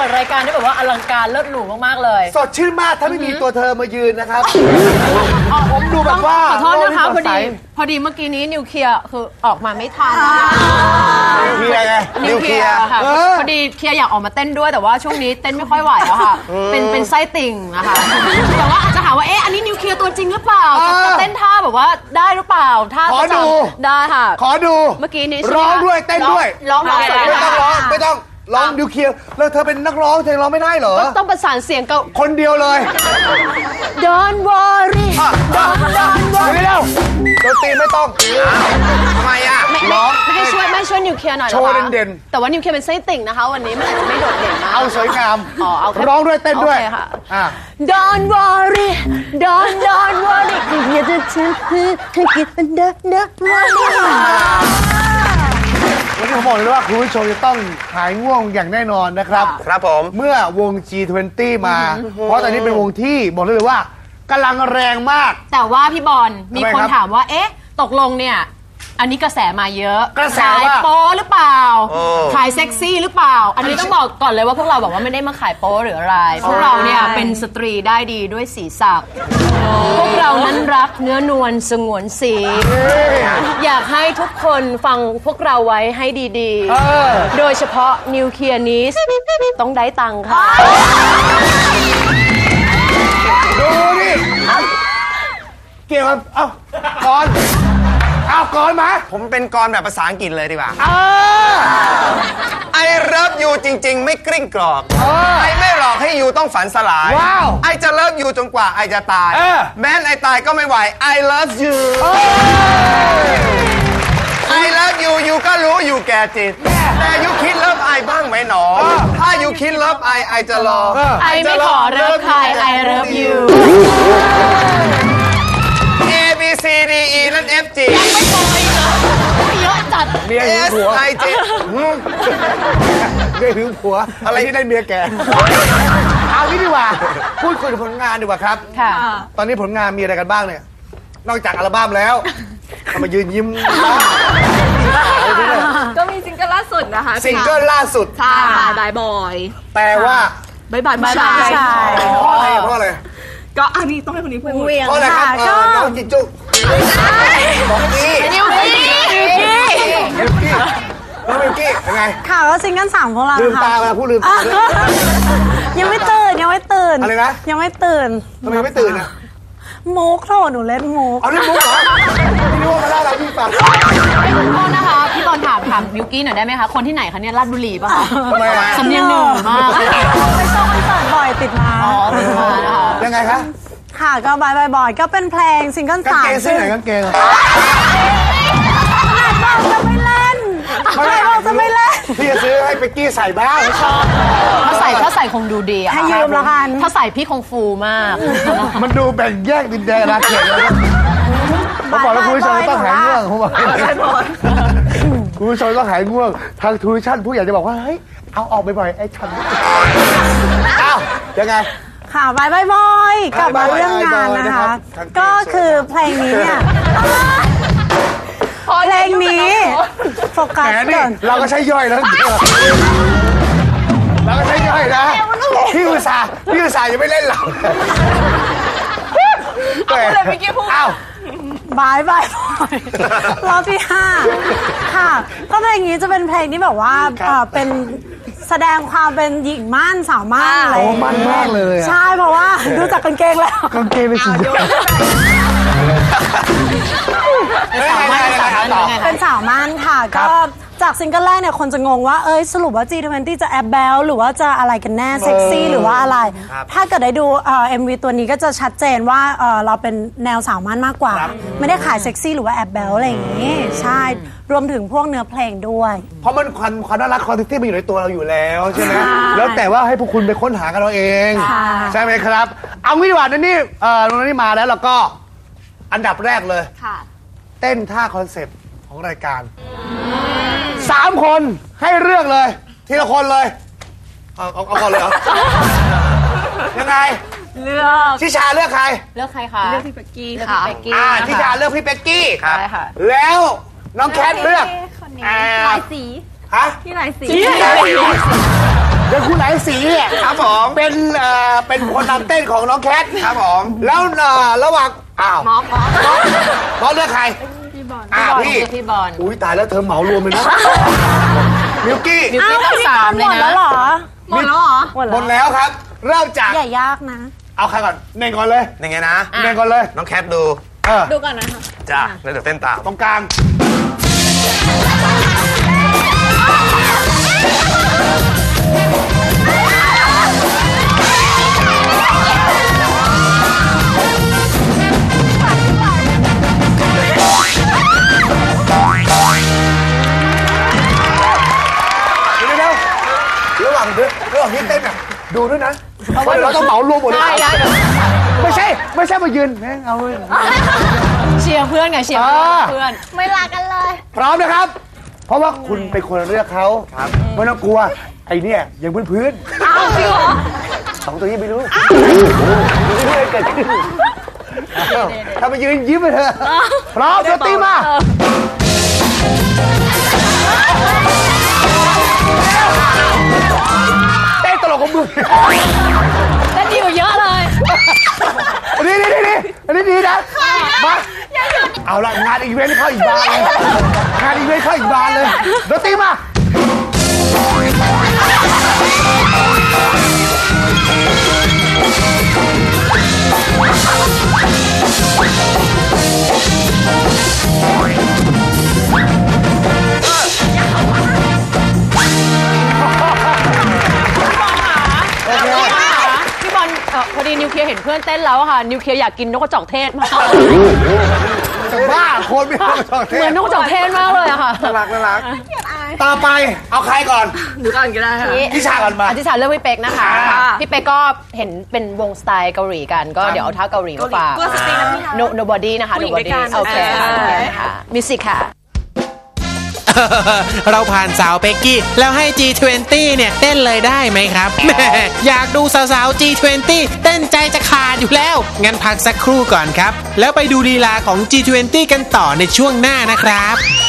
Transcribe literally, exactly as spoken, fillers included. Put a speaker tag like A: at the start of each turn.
A: ดรายการได้แบบว่าอลังการเลิศหรูมากๆเลย
B: สดชื่นมากถ้าไม่มีตัวเธอมายืนนะครับผมดูแบบว่า
A: ขอโทษนะคะพอดีพอดีเมื่อกี้นี้นิวเคลียร์คือออกมาไม่ทัน
B: นิวเคลียร์ไง
A: นิวเคลียร์ค่ะพอดีเคลียร์อยากออกมาเต้นด้วยแต่ว่าช่วงนี้เต้นไม่ค่อยไหวแล้วค่ะเป็นเป็นไส้ติ่งนะคะแต่ว่าอาจจะถามว่าเอ๊ะอันนี้นิวเคลียร์ตัวจริงหรือเปล่าจะเต้นท่าแบบว่าได้หรือเปล่าท่า
B: ขอดู
A: ได้ค่ะ
B: ขอดู
A: เมื่อกี้นี้
B: ร้องด้วยเต้นด้วย
A: ร้องไม่
B: ต้องร้องไม่ต้องร้องนิวเคลียร์แล้วเธอเป็นนักร้องเธอร้องไม่ได้เหรอ
A: ต้องประสานเสียงกับ
B: คนเดียวเลย
A: Don't worry Don't Don't worry
B: ไม่แล้วดนตรีไม่ต้องทำไมอ่ะ
A: ร้องไม่ให้ช่วยไม่ช่วยนิวเคลียร์หน่อย
B: โชว์เด่น
A: ๆแต่ว่านิวเคลียร์เป็นไส้ติ่งนะคะวันนี้มันอาจจะไม่โดดเด่นมาก
B: เอาสวยงาม
A: อ๋อเอา
B: ร้องด้วยเต้นด้วย
A: ค่ะ Don't worry Don't Don't worry อย่าจะฉันคือให้กินเป็นเด้อเด้อ worry
B: วันนี้ผมบอกเลยว่าคุณผู้ชมจะต้องหายง่วงอย่างแน่นอนนะครับ
C: ครับผม
B: เมื่อวง จี ทเวนตี้ มาเพราะตอนนี้เป็นวงที่บอกเลยว่ากำลังแรงมาก
A: แต่ว่าพี่บอลมีคนถามว่าเอ๊ะตกลงเนี่ยอันนี้กระแสมาเยอะ
B: กระแส
A: ว่าขายโป๊หรือเปล่าขายเซ็กซี่หรือเปล่าอันนี้ต้องบอกก่อนเลยว่าพวกเราบอกว่าไม่ได้มาขายโป๊หรืออะไรพวกเราเนี่ยเป็นสตรีได้ดีด้วยสีสักพวกเรานั้นรักเนื้อนวลสงวนสีอยากให้ทุกคนฟังพวกเราไว้ให้ดีๆโดยเฉพาะนิวเคลียร์นี้ต้องได้ตังค์ค่ะ
B: ดูนี่เกี่ยวกับเอ้าก่อนเอาก่อนมา
C: ผมเป็นกรแบบภาษาอังกฤษเลยดีกว่าไอเลิฟยูจริงๆไม่กริ้งกรอกไอไม่หลอกให้ยูต้องฝันสลายไอจะเลิฟยูจนกว่าไอจะตายแม้ไอตายก็ไม่ไหว I love you I love you ยูก็รู้อยู่แก่จิตแต่ยูคิดเลิฟไอบ้างไหมหนอถ้ายูคิดเลิฟไอไอจะรอ
A: ไอไม่ขอเลิฟใคร I love you
C: A B C D E นั่น F G
A: ยังไม่พออีกเหรอเยอะจัด
B: เมียหึงผัว
C: S I J
B: เมียหึงผัวอะไรที่ได้เมียแกเอางี้ดีกว่าพูดคุยถึงผลงานดีกว่าครับ
A: ค่ะ
B: ตอนนี้ผลงานมีอะไรกันบ้างเนี่ยนอกจากอัลบั้มแล้วทำไมยืนยิ้ม
D: ก็มีซิงเกิลล่าสุดนะคะ
B: ซิงเกิลล่าสุด
D: ใช่บายบอย
B: แปลว่า
D: บายบายผู้ชาย
B: เพราะอะไรเพราะอะไร
D: ก็อันนี้ต้องให้คนนี้พูด
B: เพราะอะไรครับน้องจิจุบอกกี้
A: นิวกี้
B: นิวกี้น้องนิวกี้เป็นไง
E: ข่าวว่าซิงเกิลสามของเรา
B: ลืมตามาพูดลืมตา
E: ยังไม่ตื่นยังไม่ตื่น
B: อะไรนะ
E: ยังไม่ตื่น
B: ทำไมไม่ตื่นอ่ะ
E: มุกโถหนูเล่นมุก
B: เอาเล่นมุกเหรอพี่รู้ว่ามาเล่าอะไรพี่ฟัง
A: โทษนะคะพี่บอลถามถามนิวกี้หน่อยได้ไหมคะคนที่ไหนคะเนี่ยลาดบุรีป่ะคะ
B: ทำไมอ่ะ
A: สำเนียงหนึ่งมาก
E: ไปชมคอนเสิร์ตบ่อยติดมา
A: อ๋อติดมานะคะ
B: ยังไงคะ
E: ค่ะก็บายบายบ่อยก็เป็นเพลงซิงเกิลสาม
B: กางเกงเส้นไหนกางเกง
E: บอกจะไม่เล่นใครบอกจะไม่เล่น
B: พี่จะซื้อให้เป็กกี้ใส่บ้าง
A: ชอบถ้าใส่ถ้าใส่คงดูดีอะ
E: ให้ยืมละกัน
A: ถ้าใส่พี่คงฟูมาก
B: มันดูแบ่งแยกดินแดนอาเขตเลยผมบอกแล้วคุณผู้ชมต้องหายง่วงผมบอกคุณผู้ชมต้องหายง่วงทางทูวิชั่นผู้ใหญ่จะบอกว่าเฮ้ยเอาออกบ่อยๆไอ้ฉันอ้าวยังไง
E: ค่ะบายบายบอยกลับมาเรื่องงานนะคะก็คือเพลงนี้เนี่ยเพลงนี้โฟกัสก่อน
B: เราก็ใช้ย่อยแล้วเราก็ใช้ย่อยนะพี่อุตส่าห์พี่อุตส่าห์ยังไม่เล่นเรา
D: เอาเลยเมื่อกี้พูด
B: อ้าว
E: บายบายรอบที่ห้าค่ะก็เพลงนี้จะเป็นเพลงที่แบบว่าเป็นแสดงความเป็นหญิงม่านสาวม่านอะไร
B: ม่านมากเลย
E: ใช่เพราะว่าดูจากกางเกงแล้ว
B: กางเกงเป็นสีดำ
E: เป็นสาวม่านค่ะก็จากซิงเกิลแรกเนี่ยคนจะงงว่าเอ้ยสรุปว่า จี ทเวนตี้ จะแอบแบลหรือว่าจะอะไรกันแน่เซ็กซี่หรือว่าอะไรถ้าเกิดได้ดูเอ็มวีตัวนี้ก็จะชัดเจนว่าเราเป็นแนวสาวม่านมากกว่าไม่ได้ขายเซ็กซี่หรือว่าแอบแบลอะไรอย่างนี้ใช่รวมถึงพวกเนื้อเพลงด้วย
B: เพราะมันความความน่ารักความเซ็กซี่มันอยู่ในตัวเราอยู่แล้วใช่ไหมแล้วแต่ว่าให้พวกคุณไปค้นหากันเราเองใช่ไหมครับเอางี้ดีกว่านั่นนี่เออนั่นนี่มาแล้วเราก็อันดับแรกเลยเต้นท่าคอนเซ็ปต์ของรายการสามคนให้เลือกเลยทีละคนเลยเอาเอาเอาก่อนเลยเหรอยังไง
D: เลือก
B: ทิชาเลือกใคร
A: เลือกใครคะ
D: เลือกพี่เป็กกี้ค่ะ
B: อ่าทิชาเลือกพี่เป็กกี้
A: ครับค่ะ
B: แล้วน้องแคทเลือก
D: หลายสี
B: ฮะ
D: พี่หลายสี
B: เดี๋ยวคุณไหนสีเนี่ย
C: ครับผม
B: เป็นเอ่อเป็นคนนำเต้นของน้องแคท
C: ครับผม
B: แล้วเอ่อระหว่างอ้าว
A: มอมมอม
B: บอลเลือกใครพี่บอลอ่าพี่
A: พี่บอล
B: อุ้ยตายแล้วเธอเหมารวมเลยนะมิวกี้
A: มิวกี้ต้องสามเลย
E: หมดแล้ว
A: นะ
E: เหรอ
D: หมดแล้วเหรอ
E: หมด
B: หม
E: แล้ว
B: ดแล้วครับเริ่มจาก
E: อย่ายากนะ
B: เอาใครก่อนเน่งก่อนเลย
C: ยังไงนะ
B: เน่งก่อนเลย
C: น้องแคทดู
B: เออ
D: ดูก่อนนะคะ
C: จ้าแล้วเดี๋ยวเต้นตาม
B: ตรงกลางเดี๋ยวๆระหว่างเดี๋ยวระหว่างที่เต้นอ่ะดูด้วยนะเพราะว่าเราต้องเหมารวมหมดเลย
A: ได้ได้
B: ไม่ใช่ไม่ใช่มายืนแม่งเอาเลย
A: เชียร์เพื่อนไงเชียร์
B: อ่า
A: เพื่อน
E: ไม่ลากันเลย
B: พร้อมนะครับ เพราะว่าคุณเป็นคนเลือกเขาครับไม่ต้องกลัวไอ้เนี่ยยังพื้นพื้น
A: อ้าวจริงเหรอ
B: สองตัวนี้ไม่รู้ไม่รู้อะไรเกิดขึ้นอ้าวถ้ามายืนยิ้มไปเถอะพร้อมเดี๋ยวตีมาเต้นตลกของมึง
A: แต่ดีกว่าเยอะเลย
B: อันนี้นี่นี่อันนี้ดีนะมาเอาละงานอีเวนต์เข้าอีกบานเลยงานอีเวนต์เข้าอีกบานเลยเดี๋ยวตีมา
A: พี่บอลเอ่อพอดีนิวเคลียร์เห็นเพื่อนเต้นแล้วอะค่ะ นิวเคลียร์อยากกินนกกระจอกเทศมาก
B: บ้าคนไม่ต้องชอบเท
A: เหมือนนกกระจอกเทศมากเลยอะค่ะ
B: น่ารักน่ารักต่อไปเอาใครก่อน
D: ดูก่อนก็ได้ค่ะ
B: พี่ชาก่อนมา
A: อธิษฐานเลือกพี่เป๊กนะคะ
B: ค่ะ
A: พี่เป๊กก็เห็นเป็นวงสไตล์เกาหลีกัน ก็เดี๋ยวเอาท่าเกาหลีมาฝาก
D: เกาหลีเพื่อสตรีนะพี่คะ
A: No Nobody นะคะ
D: ผู้หญิงด้วย
A: Nobody
D: กัน
A: โอเค
D: อ่า
A: โอเคค่ะมิวสิกค่ะ
F: เราผ่านสาวเป็กกี้แล้วให้ จี ทเวนตี้ เนี่ยเต้นเลยได้ไหมครับแหม่อยากดูสาวๆ จี ทเวนตี้ เต้นใจจะขาดอยู่แล้ว งั้นพักสักครู่ก่อนครับ แล้วไปดูลีลาของ จี ทเวนตี้ กันต่อในช่วงหน้านะครับ